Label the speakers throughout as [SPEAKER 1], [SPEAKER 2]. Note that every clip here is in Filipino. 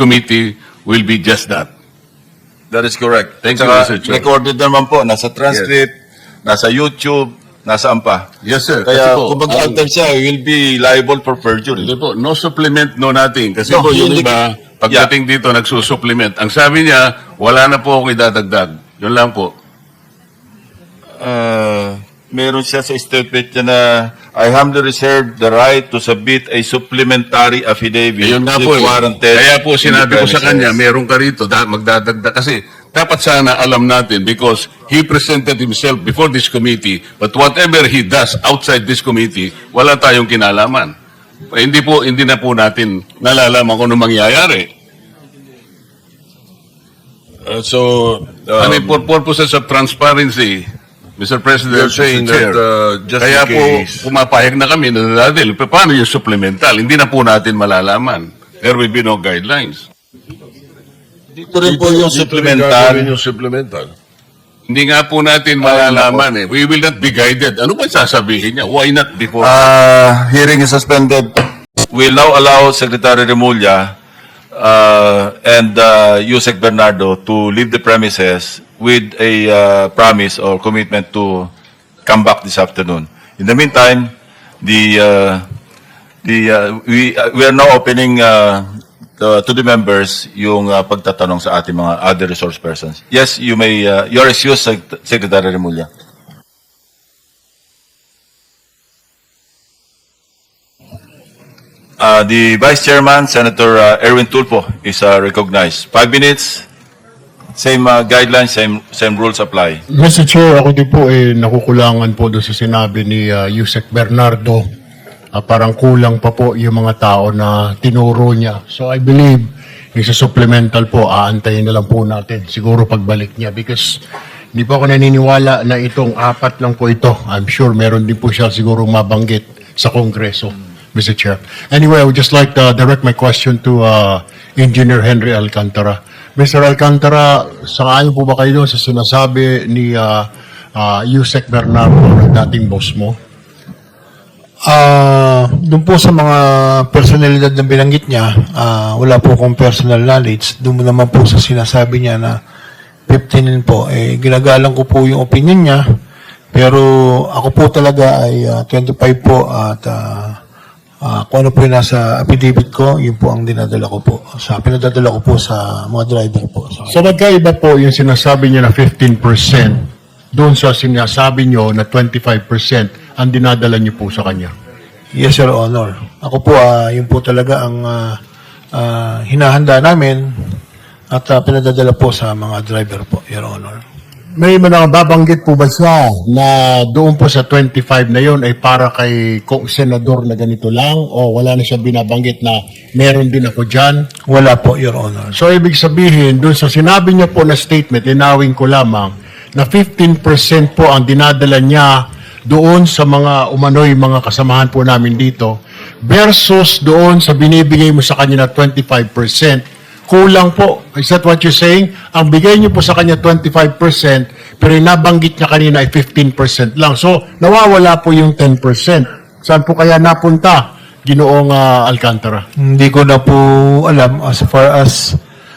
[SPEAKER 1] committee will be just that.
[SPEAKER 2] That is correct.
[SPEAKER 1] Thank you,
[SPEAKER 2] Saka,
[SPEAKER 1] Mr. Chair.
[SPEAKER 2] recorded naman po, nasa transcript, nasa YouTube, nasaan pa.
[SPEAKER 1] Yes, sir.
[SPEAKER 2] Kaya
[SPEAKER 1] Kasi po,
[SPEAKER 2] kung mag-alter siya, he will be liable for perjury.
[SPEAKER 1] hindi po, no supplement, no nothing. Kasi
[SPEAKER 2] No,
[SPEAKER 1] po yung
[SPEAKER 2] hindi-
[SPEAKER 1] iba, pagdating dito, nagsusupplement. Ang sabi niya, wala na po akong idadagdag. Yun lang po.
[SPEAKER 2] Meron siya sa statement niya na I humbly reserve the right to submit a supplementary affidavit
[SPEAKER 1] Yun nga
[SPEAKER 2] if
[SPEAKER 1] po.
[SPEAKER 2] warranted
[SPEAKER 1] Kaya po
[SPEAKER 2] in
[SPEAKER 1] sinabi
[SPEAKER 2] the
[SPEAKER 1] ko sa
[SPEAKER 2] premises.
[SPEAKER 1] kanya, meron ka rito, magdadagdag. Kasi dapat sana alam natin because he presented himself before this committee, but whatever he does outside this committee, wala tayong kinalaman. Hindi na po natin nalalaman kung ano mangyayari. For purposes of transparency, Mr. President,
[SPEAKER 3] You're saying
[SPEAKER 1] Mr. Chair,
[SPEAKER 3] that, just
[SPEAKER 1] kaya
[SPEAKER 3] in
[SPEAKER 1] po
[SPEAKER 3] case-
[SPEAKER 1] pumapayag na kami na dadil. Paano yung supplemental? Hindi na po natin malalaman. There will be no guidelines.
[SPEAKER 2] Dito rin po yung
[SPEAKER 3] Gagawin
[SPEAKER 2] supplemental.
[SPEAKER 3] yung supplemental.
[SPEAKER 1] Hindi nga po natin malalaman eh. We will not be guided. Ano ba sasabihin niya? Why not before?
[SPEAKER 2] Hearing is suspended. We'll now allow Secretary Remulla and Yusek Bernardo to leave the premises with a promise or commitment to come back this afternoon. In the meantime, we are now opening to the members yung pagtatanong sa ating mga other resource persons. Yes, you may, your excuse, Secretary Remulla. The Vice Chairman, Senator Erwin Tulfo, is recognized. 5 minutes, same guidelines, same rules apply.
[SPEAKER 4] Mr. Chair, ako din po nakukulangan po doon sa sinabi ni Yusek Bernardo. Parang kulang pa po yung mga tao na tinuro niya. So I believe, yung sa supplemental po, aantayin na lang po natin. Siguro pagbalik niya because hindi po ako naniniwala na itong 4 lang po ito. I'm sure meron din po siya siguro mabanggit sa Kongreso, Mr. Chair. Anyway, I would just like to direct my question to Engineer Henry Alcantara. Mr. Alcantara, sangayon po ba kayo sa sinasabi ni Yusek Bernardo, dating boss mo?
[SPEAKER 5] Doon po sa mga personalidad na binanggit niya, wala po akong personal knowledge. Doon naman po sa sinasabi niya na 15 po, ginagalang ko po yung opinion niya. Pero ako po talaga ay 25 po at kung ano po yung nasa affidavit ko, yun po ang dinadala ko po. Pinadadala ko po sa mga driver po.
[SPEAKER 4] So magkaiba po yung sinasabi niya na 15% doon sa sinasabi niyo na 25% ang dinadala niyo po sa kanya.
[SPEAKER 5] Yes, Your Honor. Ako po, yun po talaga ang hinahanda namin at pinadadala po sa mga driver po, Your Honor.
[SPEAKER 4] May babanggit po ba siya na doon po sa 25 na yon ay para kay senador na ganito lang o wala na siya binabanggit na meron din ako dyan?
[SPEAKER 5] Wala po, Your Honor.
[SPEAKER 4] So ibig sabihin, doon sa sinabi niya po na statement, linawin ko lamang na 15% po ang dinadala niya doon sa mga umano'y mga kasamahan po namin dito versus doon sa binibigay mo sa kanya na 25%. Kulang po. Is that what you're saying? Ang bigay niyo po sa kanya 25%, pero yung nabanggit niya kanina ay 15% lang. So, nawawala po yung 10%. Saan po kaya napunta, Ginoong Alcantara?
[SPEAKER 5] Hindi ko na po alam as far as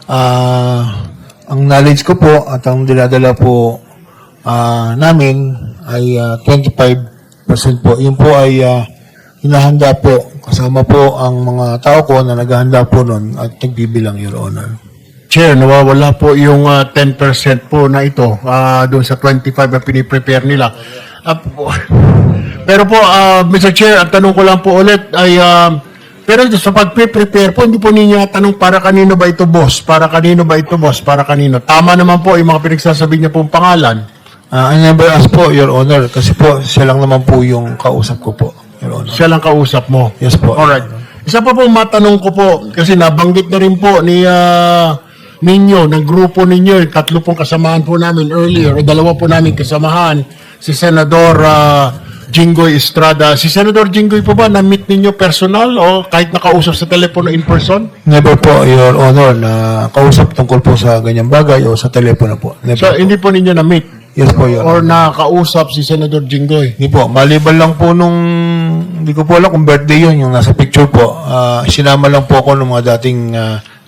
[SPEAKER 5] ang knowledge ko po at ang dinadala po namin ay 25% po. Yun po ay hinahanda po. Kasama po ang mga tao ko na naghahanda po nun at nagbibilang, Your Honor.
[SPEAKER 4] Chair, nawawala po yung 10% po na ito doon sa 25 na piniprepare nila. Pero po, Mr. Chair, ang tanong ko lang po ulit ay, pero sa pag-prepare po, hindi po ninyo tanong para kanino ba ito, boss? Para kanino ba ito, boss? Para kanino? Tama naman po yung mga pinagsasabi niya pong pangalan.
[SPEAKER 5] I never asked po, Your Honor, kasi po siya lang naman po yung kausap ko po, Your Honor.
[SPEAKER 4] Siya lang kausap mo.
[SPEAKER 5] Yes po.
[SPEAKER 4] Alright. Isa pa po matanong ko po, kasi nabanggit na rin po ni ninyo, ng grupo ninyo, 3 pong kasamahan po namin earlier, o 2 po namin kasamahan, si Senador Jinggoy Estrada. Si Senador Jinggoy po ba, na-meet ninyo personal o kahit nakausap sa telepono in person?
[SPEAKER 5] Never po, Your Honor, na kausap tungkol po sa ganyang bagay o sa telepono po. Never
[SPEAKER 4] So,
[SPEAKER 5] po.
[SPEAKER 4] hindi po ninyo na-meet?
[SPEAKER 5] Yes po, Your
[SPEAKER 4] Or
[SPEAKER 5] Honor.
[SPEAKER 4] nakausap si Senador Jinggoy?
[SPEAKER 5] Hindi po, maliban lang po nung, hindi ko po alam kung birthday yun, yung nasa picture po. Sinama lang po ako ng mga dating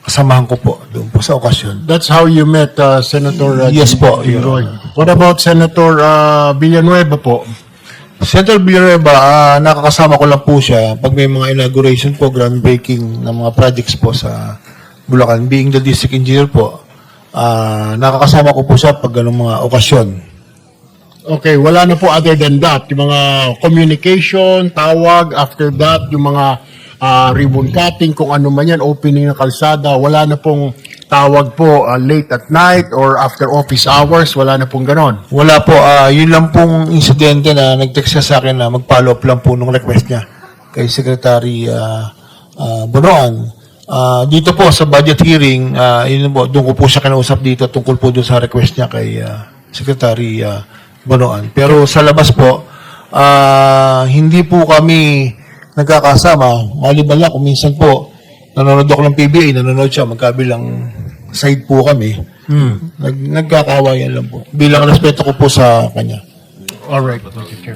[SPEAKER 5] kasamahan ko po doon po sa okasyon.
[SPEAKER 4] That's how you met Senator
[SPEAKER 5] Yes po,
[SPEAKER 4] Jinggoy. What about Senator Villanueva po?
[SPEAKER 5] Senator Villanueva, nakakasama ko lang po siya pag may mga inauguration po, groundbreaking ng mga projects po sa Bulacan. Being the district engineer po, nakakasama ko po siya pag ganung mga okasyon.
[SPEAKER 4] Okay, wala na po other than that. Yung mga communication, tawag, after that, yung mga ribbon cutting, kung ano man yan, opening ng kalsada, wala na pong tawag po late at night or after office hours, wala na pong ganon.
[SPEAKER 5] Wala po, yun lang pong insidente na nag-text siya sa akin na mag-follow up lang po nung request niya kay Secretary Bonoan. Dito po sa budget hearing, yun po, doon ko po siya kinausap dito tungkol po doon sa request niya kay Secretary Bonoan. Pero sa labas po, hindi po kami nagkakasama. Maliban lang kung minsan po nanonood ako ng PBA, nanonood siya, magkabilang side po kami. Nagkakawayan lang po. Bilang respeto ko po sa kanya.
[SPEAKER 4] Alright, Mr. Chair.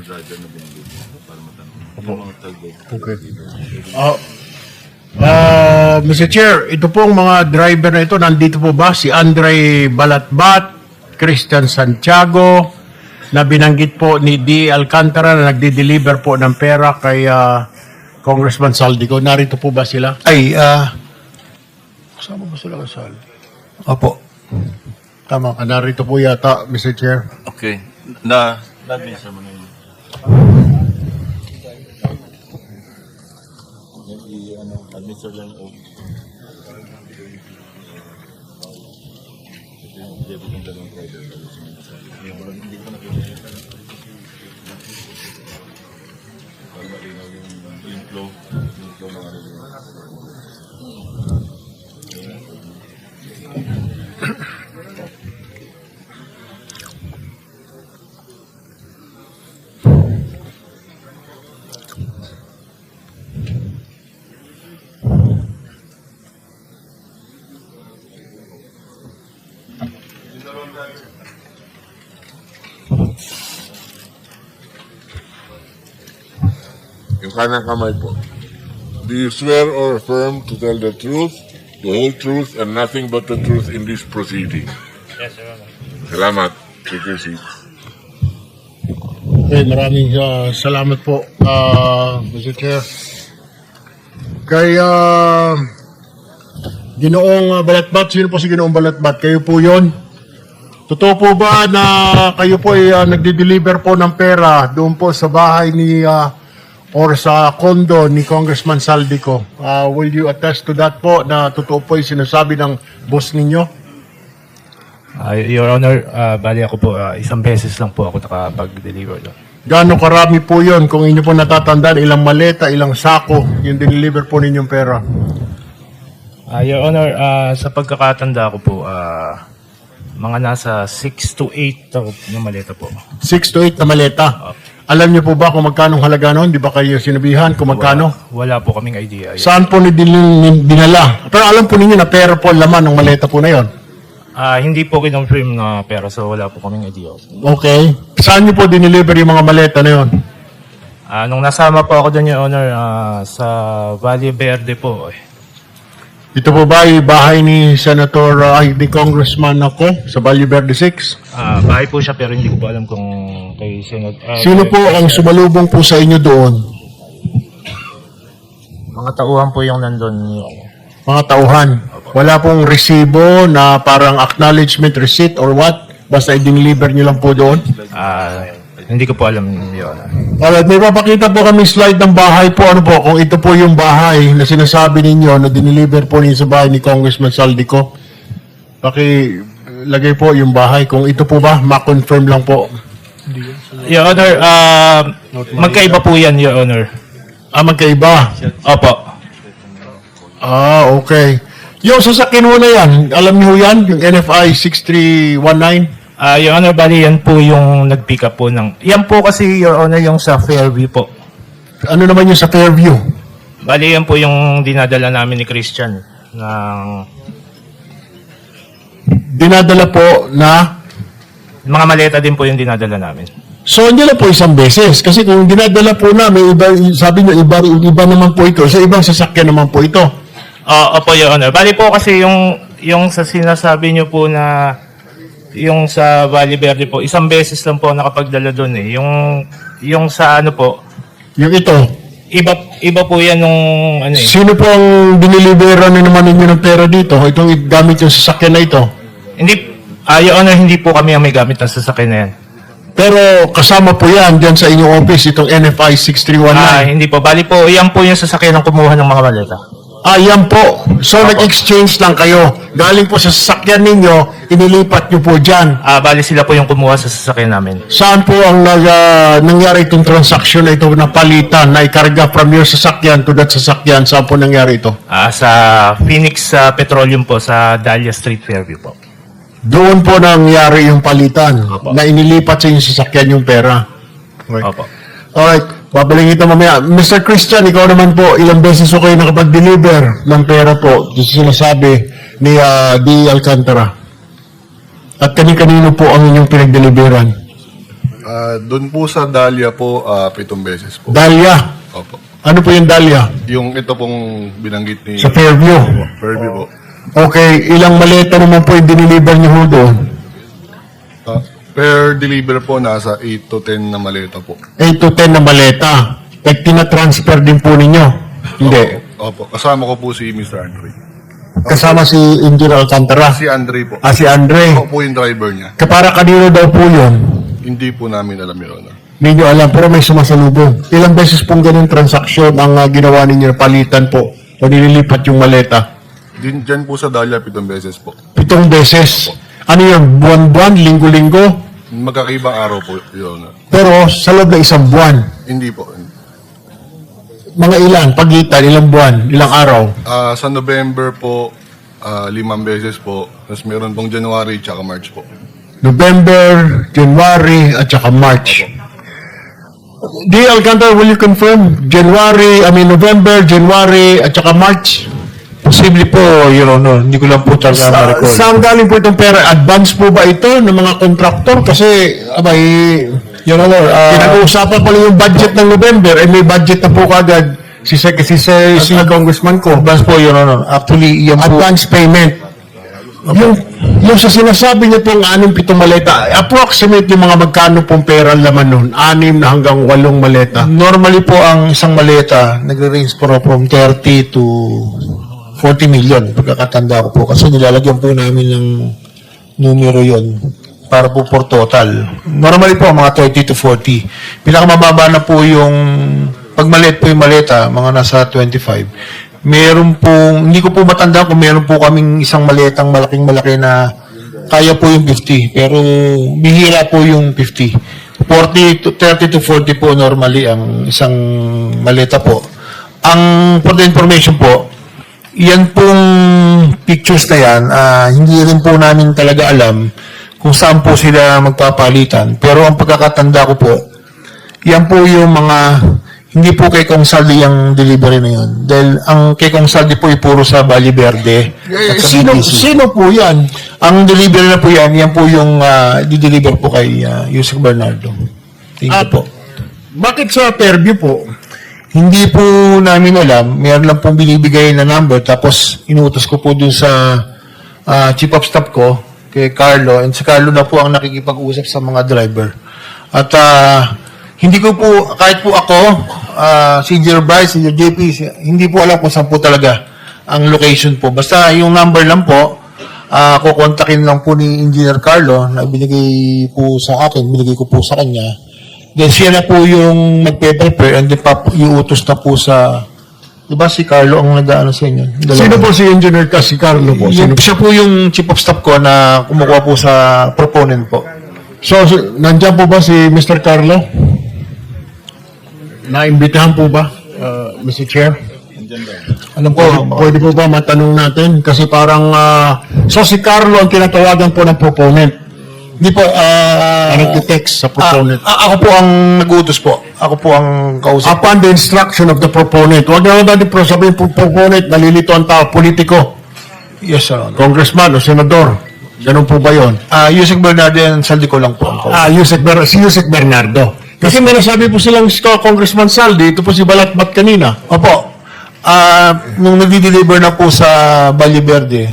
[SPEAKER 4] Okay. Mr. Chair, ito pong mga driver na ito, nandito po ba? Si Andre Balatbat, Christian Santiago, na binanggit po ni D. Alcantara na nagdi-deliver po ng pera kay Congressman Saldico. Narito po ba sila?
[SPEAKER 5] Ay, kasama ba sila kasal? Opo. Tama.
[SPEAKER 4] Narito po yata, Mr. Chair.
[SPEAKER 2] Okay. Na-administer mo na yun. Administer lang yung
[SPEAKER 3] Yung kanang kamay po. Do you swear or affirm to tell the truth, the whole truth, and nothing but the truth in this proceeding?
[SPEAKER 6] Yes, Your Honor.
[SPEAKER 3] Salamat. Take your seat.
[SPEAKER 4] Okay, maraming salamat po, Mr. Chair. Kay Ginoong Balatbat, sino po si Ginoong Balatbat? Kayo po yon? Totoo po ba na kayo po ay nagdi-deliver po ng pera doon po sa bahay ni or sa condo ni Congressman Saldico? Will you attest to that po na totoo po yung sinasabi ng boss ninyo?
[SPEAKER 6] Your Honor, bali ako po, isang beses lang po ako nakapag-deliver doon.
[SPEAKER 4] Gaano karami po yon? Kung inyo po natatandaan, ilang maleta, ilang sako yung deliver po ninyong pera?
[SPEAKER 6] Your Honor, sa pagkakatanda ko po, mga nasa 6 to 8 na maleta po.
[SPEAKER 4] 6 to 8 na maleta. Alam niyo po ba kung magkano halaga noon? Di ba kayo sinabihan kung magkano?
[SPEAKER 6] Wala po kaming idea.
[SPEAKER 4] Saan po dinala? Pero alam po ninyo na pera po ang laman ng maleta po na yon.
[SPEAKER 6] Hindi po kinonfirm na pera, so wala po kaming idea.
[SPEAKER 4] Okay. Saan niyo po dineliver yung mga maleta na yon?
[SPEAKER 6] Nung nasama po ako doon, Your Honor, sa Valle Verde po.
[SPEAKER 4] Ito po ba yung bahay ni ni Congressman ako sa Valle Verde 6?
[SPEAKER 6] Bahay po siya, pero hindi ko po alam kung kay Senod.
[SPEAKER 4] Sino po ang sumalubong po sa inyo doon?
[SPEAKER 6] Mga tauhan po yung nandun. Your Honor.
[SPEAKER 4] Mga tauhan. Wala pong resibo na parang acknowledgement receipt or what? Basta i-deliver nyo lang po doon?
[SPEAKER 6] Hindi ko po alam, Your Honor.
[SPEAKER 4] Alright, may papakita po kami slide ng bahay po. Ano po, kung ito po yung bahay na sinasabi ninyo na dineliver po ninyo sa bahay ni Congressman Saldico. Lagay po yung bahay. Kung ito po ba, ma-confirm lang po.
[SPEAKER 6] Your Honor, magkaiba po yan, Your Honor.
[SPEAKER 4] Magkaiba.
[SPEAKER 6] Opo.
[SPEAKER 4] Okay. Yung sasakyan mo na yan, alam niyo yan? Yung NFI 6319?
[SPEAKER 6] Your Honor, bali yan po yung nag-pick up po ng... Yan po kasi, Your Honor, yung sa Fairview po.
[SPEAKER 4] Ano naman yung sa Fairview?
[SPEAKER 6] Bali yan po yung dinadala namin ni Christian ng...
[SPEAKER 4] Dinadala po na...
[SPEAKER 6] Mga maleta din po yung dinadala namin.
[SPEAKER 4] So, hindi na po isang beses. Kasi kung dinadala po na, may iba, sabi niyo, iba naman po ito. Sa ibang sasakyan naman po ito.
[SPEAKER 6] Opo, Your Honor. Bali po kasi yung sa sinasabi niyo po na yung sa Valle Verde po, isang beses lang po nakapagdala doon eh. Yung sa ano po,
[SPEAKER 4] Yung ito,
[SPEAKER 6] iba po yan nung ano eh.
[SPEAKER 4] sino po ang binilibera na naman ninyo ng pera dito? Itong gamit yung sasakyan na ito.
[SPEAKER 6] Hindi, Your Honor, hindi po kami ang may gamit ng sasakyan na yan.
[SPEAKER 4] Pero kasama po yan dyan sa inyong office, itong NFI 6319.
[SPEAKER 6] Hindi po. Bali po, yan po yung sasakyan ng kumuha ng mga maleta.
[SPEAKER 4] Yan po. So, nag-exchange lang kayo. Galing po sa sasakyan ninyo, inilipat nyo po dyan.
[SPEAKER 6] Bali sila po yung kumuha sa sasakyan namin.
[SPEAKER 4] Saan po ang nangyari itong transaction na ito na palitan, na ikarga from your sasakyan to that sasakyan? Saan po nangyari ito?
[SPEAKER 6] Sa Phoenix Petroleum po, sa Dahlia Street, Fairview po.
[SPEAKER 4] Doon po nangyari yung palitan,
[SPEAKER 6] Opo.
[SPEAKER 4] na inilipat sa inyong sasakyan yung pera. Okay.
[SPEAKER 6] Opo.
[SPEAKER 4] Alright, babalik ito mamaya. Mr. Christian, ikaw naman po, ilang beses ko kayo nakapag-deliver ng pera po, yung sinasabi ni D. Alcantara. At kani-kanino po ang inyong pinag-deliveran?
[SPEAKER 7] Doon po sa Dahlia po, 7 beses po.
[SPEAKER 4] Dahlia.
[SPEAKER 7] Opo.
[SPEAKER 4] Ano po yung Dahlia?
[SPEAKER 7] Yung ito pong binanggit ni
[SPEAKER 4] Sa Fairview.
[SPEAKER 7] Fairview po.
[SPEAKER 4] Okay, ilang maleta naman po yung diniliver niyo ho doon?
[SPEAKER 7] Per deliver po, nasa 8 to 10 na maleta po.
[SPEAKER 4] 8 to 10 na maleta. Like, tina-transfer din po ninyo? Hindi.
[SPEAKER 7] Opo. Kasama ko po si Mr. Andre.
[SPEAKER 4] Kasama si Engineer Alcantara.
[SPEAKER 7] Si Andre po.
[SPEAKER 4] Si Andre.
[SPEAKER 7] Ako po yung driver niya.
[SPEAKER 4] Kapara kanino daw po yun?
[SPEAKER 7] Hindi po namin alam yun.
[SPEAKER 4] Hindi nyo alam, pero may sumasalubong. Ilang beses pong ganun transaksyon ang ginawa ninyo, palitan po, o nililipat yung maleta?
[SPEAKER 7] Diyan po sa Dahlia, 7 beses po.
[SPEAKER 4] 7 beses. Ano yun, buwan-buwan, linggo-linggo?
[SPEAKER 7] Magkakaibang araw po yun.
[SPEAKER 4] Pero sa loob ng isang buwan,
[SPEAKER 7] Hindi po.
[SPEAKER 4] mga ilan, pagitan, ilang buwan, ilang araw?
[SPEAKER 7] Sa November po, 5 beses po. Tapos meron pong January tsaka March po.
[SPEAKER 4] November, January, at saka March. D. Alcantara, will you confirm? November, January, at saka March?
[SPEAKER 5] Posible po, Your Honor. Hindi ko lang po talaga ma-record.
[SPEAKER 4] Saan galing po itong pera? Advance po ba ito ng mga kontraktor? Kasi, abay,
[SPEAKER 5] Your Honor,
[SPEAKER 4] pinag-uusapan pa lang yung budget ng November, may budget na po kagad si Congressman ko.
[SPEAKER 5] advance po, Your Honor. Actually, yan po.
[SPEAKER 4] Advance payment. Yung sa sinasabi niyo pong 6-7 maleta, approximate yung mga magkano pong pera laman nun? 6 na hanggang 8 maleta.
[SPEAKER 5] Normally po, ang isang maleta, nagre-range po from 30 to 40 million. Pagkakatanda ko po. Kasi nilalagyan po namin ng numero yon para po for total. Normally po, mga 30 to 40. Pinakamababa na po yung, pag maliit po yung maleta, mga nasa 25. Meron pong, hindi ko po matanda kung meron po kaming isang maletang malaking-malaki na kaya po yung 50. Pero bihira po yung 50. 30 to 40 po normally ang isang maleta po. Ang for the information po, yan pong pictures na yan, hindi rin po namin talaga alam kung saan po sila magpapalitan. Pero ang pagkakatanda ko po, yan po yung mga, hindi po kay Kong Saldi ang delivery na yun. Dahil ang kay Kong Saldi po ay puro sa Valle Verde. At sa BTC.
[SPEAKER 4] Sino po yan?
[SPEAKER 5] Ang delivery na po yan po yung di-deliver po kay Yusek Bernardo. Thank you po.
[SPEAKER 4] Bakit sa Fairview po?
[SPEAKER 5] Hindi po namin alam. Meron lang pong binibigay na number. Tapos inutos ko po dun sa chief of staff ko, kay Carlo. And si Carlo na po ang nakikipag-usap sa mga driver. At hindi ko po, kahit po ako, si Engineer Bryce, si Engineer JP, hindi po alam kung saan po talaga ang location po. Basta yung number lang po, kukontakin lang po ni Engineer Carlo na binigay po sa akin, binigay ko po sa kanya. Then siya na po yung magpe-prepare and then iutos na po sa, di ba si Carlo ang nag-ano sa inyo?
[SPEAKER 4] Sino po si Engineer si Carlo po?
[SPEAKER 5] Siya po yung chief of staff ko na kumukuha po sa proponent po.
[SPEAKER 4] So, nandiyan po ba si Mr. Carlo? Naimbitahan po ba, Mr. Chair?
[SPEAKER 5] Alam ko,
[SPEAKER 4] Pwede po ba matanong natin? Kasi parang, so si Carlo ang tinatawagan po ng proponent.
[SPEAKER 5] hindi po,
[SPEAKER 4] Nag-text sa proponent.
[SPEAKER 5] ako po ang nag-utos po. Ako po ang kausap.
[SPEAKER 4] Upon the instruction of the proponent. Huwag na natin sabihin po proponent, nalilito ang tao, politiko,
[SPEAKER 5] Yes, Sir.
[SPEAKER 4] congressman o senador. Ganun po ba yun?
[SPEAKER 5] Yusek Bernardo and Saldi ko lang po ang kausap.
[SPEAKER 4] Si Yusek Bernardo. Kasi may nasabi po silang Congressman Saldi, ito po si Balatbat kanina.
[SPEAKER 5] Opo. nung nagdi-deliver na po sa Valle Verde,